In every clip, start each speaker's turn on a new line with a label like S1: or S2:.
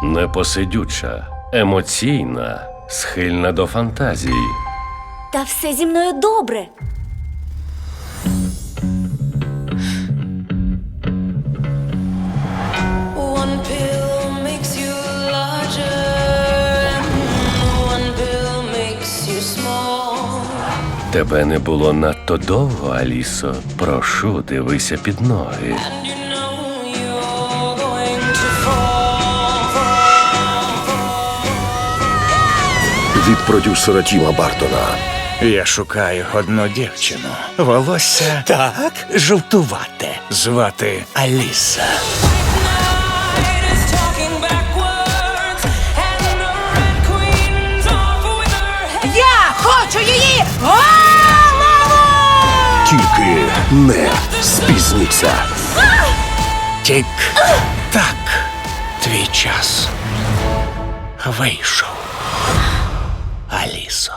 S1: Непосидюча, емоційна, схильна до фантазій.
S2: Та все зі мною добре.
S3: One pill makes you larger, one pill makes you small.
S1: Тебе не було надто довго, Алісо. Прошу, дивися під ноги.
S3: And you know you're going to fall.
S4: Від продюсера Тіма Бартона.
S5: Я шукаю одну дівчину. Волосся
S6: Так, жовтувате.
S5: звати Аліса.
S3: Night is talking backwards, and the Red Queen's off with her head.
S6: Я хочу її голову!
S4: Тільки не спізніться.
S5: Тік-так. Твій час вийшов. Алісо.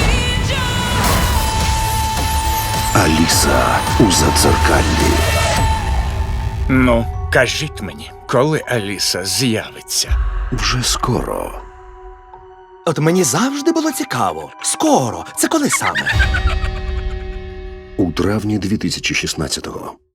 S4: Аліса у задзеркаллі.
S5: Ну, кажіть мені, коли Аліса з'явиться?
S4: Вже скоро.
S6: От мені завжди було цікаво. Скоро. Це коли саме?
S4: У травні 2016-го.